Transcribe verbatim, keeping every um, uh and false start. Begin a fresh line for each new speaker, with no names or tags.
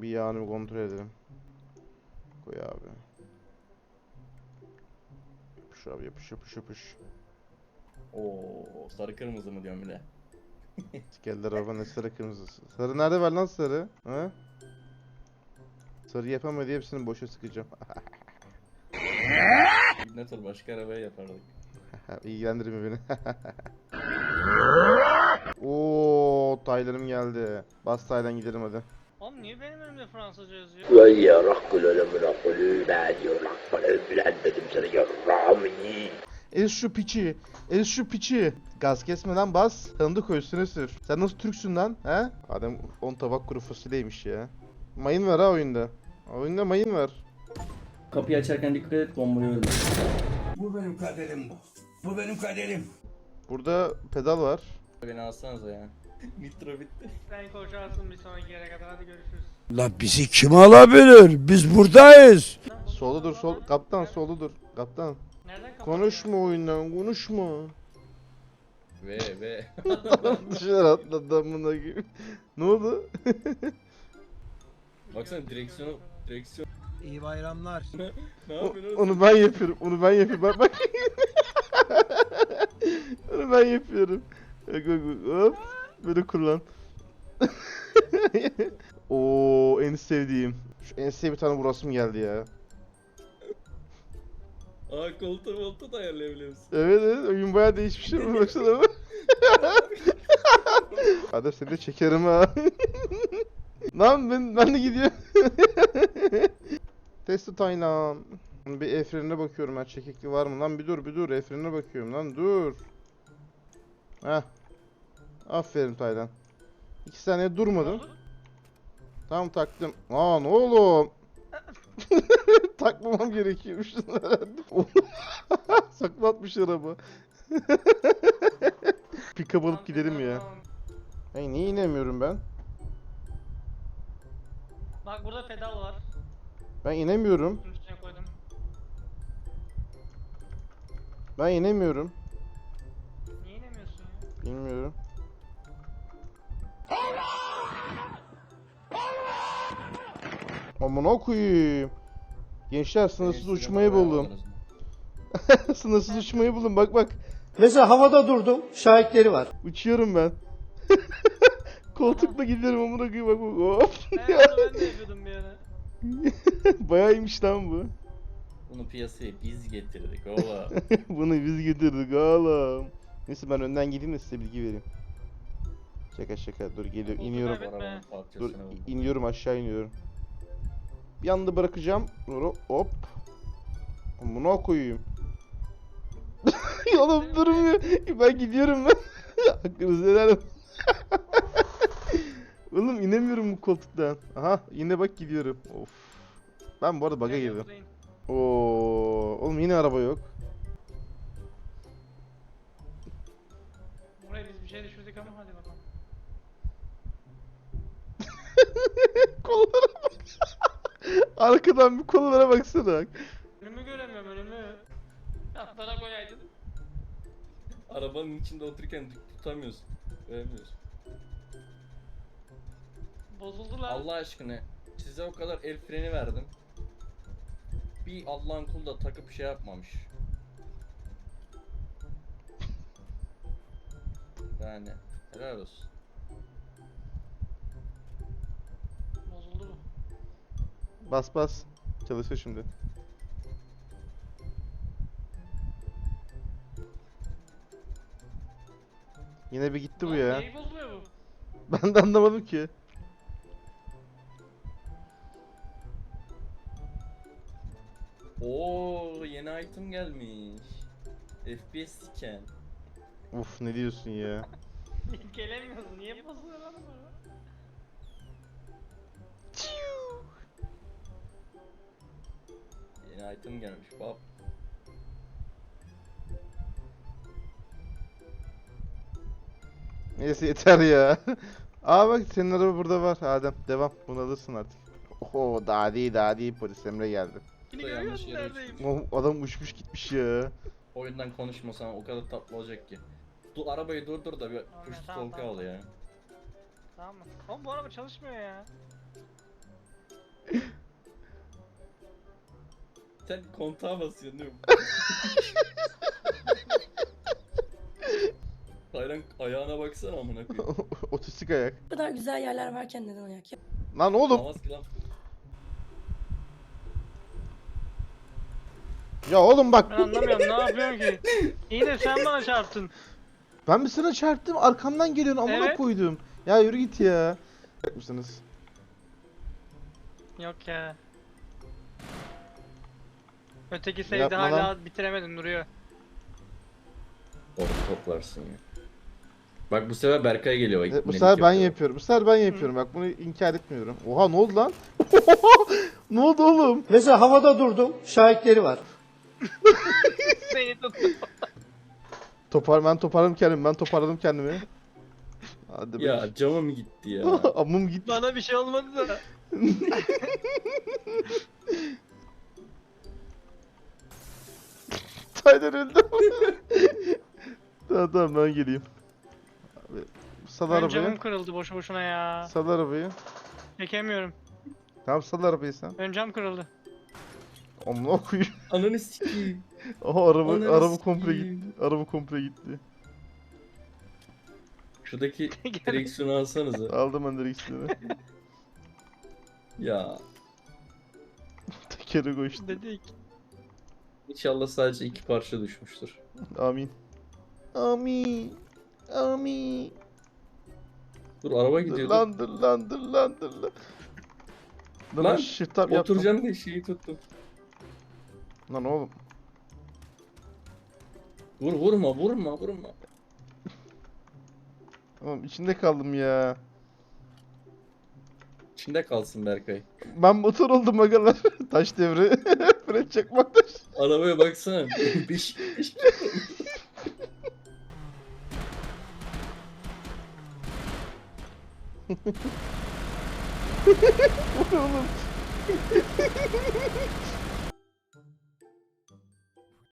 Bir yağını bir kontrol edelim. Koy abi. Yapış abi, yapış yapış yapış.
Oo, sarı kırmızı mı diyorum bile.
Geldi araba, ne sarı kırmızısı. Sarı nerede var lan sarı? Ha? Sarı yapamadı, hepsini boşa sıkacağım.
Ne tür başka arabaya yapardık.
İlgilendirme beni. Oo, Taylan'ım geldi. Bas Taylan, gidelim hadi.
Oğlum niye benim önümde Fransızca yazıyor?
Vay ya rakkul ölümün akıllı ben diyor rakkul öpülen dedim sana yarrağımı yiyin.
Ez şu piçi. Ez şu piçi. Gaz kesmeden bas. Tanıdık üstüne sür. Sen nasıl Türksün lan? He? Adam on tabak kuru fasulyeymiş ya. Mayın var ha oyunda. Oyunda mayın var.
Kapıyı açarken dikkat et, bombayı ölme.
Bu benim kaderim bu. Bu benim kaderim.
Burada pedal var.
Beni alsanıza ya. Nitro bitti.
Sen koşarsın bir sonraki yere kadar, hadi görüşürüz.
La bizi kim alabilir? Biz buradayız.
Solda dur, sol. Kaptan solda dur. Kaptan.
Nereden kapat?
Konuşma oyundan, konuşma.
Ve ve.
Dışarı atladı amına gibi. Ne oldu?
Baksana direksiyonu, direksiyon.
İyi bayramlar.
Ne
O-
yapıyorsun?
onu ben yapıyorum. Onu ben yapıyorum. Bak bak. Onu ben yapıyorum. Bak bak bak. Hop. Böyle kullan. Oo, en sevdiğim. Şu enseye bir tane vurasım geldi ya.
Aa, koltuğu moltuğu da ayarlayabiliyor musun?
Evet evet, oyun bayağı değişmiş ama baksana. Hadi seni de çekerim ha. Lan ben, ben de gidiyorum. Testi Taylan. Bir el frenine bakıyorum ben, çekikli var mı? Lan bir dur bir dur, el frenine bakıyorum lan, dur. Heh. Aferin Taylan. İki saniye durmadın. Tamam taktım. Aa ne oğlum? Takmamam gerekiyormuş herhalde. Saklatmış araba. Pick-up alıp gidelim ya. Hey, niye inemiyorum ben?
Bak burada pedal var.
Ben inemiyorum.
Bunun üstüne koydum.
Ben inemiyorum.
Niye inemiyorsun ya?
Bilmiyorum. Amına koyayım. Gençler, sınırsız uçmayı buldum. Sınırsız uçmayı buldum, bak bak.
Mesela havada durdum, şahitleri var.
Uçuyorum ben. Koltukla giderim amına koyayım, bak bak. Hop.
Evet onu ben de yapıyordum bir ara.
Bayağı iyiymiş lan bu.
Bunu piyasaya biz getirdik ola.
Bunu biz getirdik oğlum. Neyse ben önden gideyim de size bilgi vereyim. Şaka şaka, dur geliyor,
Koltuğu
iniyorum.
kaybetme.
Arabanın
Dur
parçasını buldum.
iniyorum, aşağı iniyorum. Bir anda bırakacağım. Dur, hop. Amına koyayım. Oğlum durmuyor. Ben gidiyorum ben. Hakkınızı helal olsun. Oğlum inemiyorum bu koltuktan. Aha yine bak gidiyorum. Of. Ben bu arada bug'a girdim.
Buradayım.
Oo, oğlum yine araba yok.
Buraya biz bir şey düşürdük ama hadi bakalım.
Kollara bak. Arkadan bir kollara baksana.
Önümü göremiyorum, önümü. Atlara koyaydın.
Arabanın içinde otururken tutamıyorsun. Veremiyorsun.
Bozuldu lan.
Allah aşkına size o kadar el freni verdim. Bir Allah'ın kulu da takıp şey yapmamış. Yani helal olsun.
Bozuldu bu.
Bas bas. Çalışıyor şimdi. Yine bir gitti bu
Lan
ya.
neyi bozuluyor bu?
Ben de anlamadım ki.
Oo, yeni item gelmiş. F P S scan.
Uf, ne diyorsun ya?
Gelemiyorsun, niye bozuluyor lan bu?
Yeni item gelmiş bab.
Neyse yeter ya. Aa bak, senin araba burada var Adem. Devam. Bunu alırsın artık. Oho, daha değil daha değil, polis Emre geldi.
Yine
Bu da yanlış
görüyorsun
yere
neredeyim?
uçmuş.
O adam uçmuş gitmiş ya.
Oyundan konuşmasan o kadar tatlı olacak ki. Dur arabayı durdur da bir
Tamam,
push to
tamam,
talk'ı
tamam.
al ya.
Tamam mı? Oğlum bu araba çalışmıyor ya.
Sen kontağa basıyorsun değil mi? Taylan ayağına baksana amına koyayım.
Otistik ayak.
Bu kadar güzel yerler varken neden ayak yap?
Lan oğlum.
Namaz kılan.
Ya oğlum bak.
Ben anlamıyorum ne yapıyorsun ki? İyi de sen bana çarptın.
Ben bir sana çarptım. Arkamdan geliyorsun. Amına
Evet.
koydum. Ya yürü git ya. Yapmışsınız.
Yok ya. Öteki sevdi
Yapma
hala
lan.
bitiremedin duruyor.
Orada toplarsın ya. Bak bu sefer Berkay geliyor. bak,
Evet, bu
ibnelik
sefer ben
yapıyor.
yapıyorum. Bu sefer ben yapıyorum. Bak bunu inkar etmiyorum. Oha ne oldu lan? Ne oldu oğlum?
Mesela havada durdum, şahitleri var.
Seni tuttu.
Topar ben toparladım kendimi. Ben toparladım kendimi. Hadi be.
Ya camım gitti ya.
Amım gitti.
Bana bir şey olmadı da.
Taylan öldü. Tamam tamam ben geleyim. Abi, sal
Ön camım
arabayı.
kırıldı boşu boşuna ya.
Sal arabayı.
Çekemiyorum.
Tamam sal arabayı sen.
Ön cam kırıldı.
Amına koyayım.
Ananı sikeyim.
Aha araba
Ananı
araba komple
sikeyim.
gitti. Araba komple gitti.
Şuradaki direksiyonu alsanıza.
Aldım ben direksiyonu.
Ya
Tekeri koştu.
Dedik.
inşallah sadece iki parça düşmüştür.
Amin. Amin. Amin.
Dur araba
Dur
gidiyordu.
lan dur lan dur lan dur lan. Dur
Lan,
lan shift tab yaptım.
Oturacağım diye şeyi tuttum.
Lan oğlum.
Vur vurma vurma vurma.
Oğlum içinde kaldım ya.
İçinde kalsın Berkay.
Ben motor oldum agalar. Taş devri. Fren çakmak taş.
Arabaya baksana. Beş, beş.
Bu ne oğlum?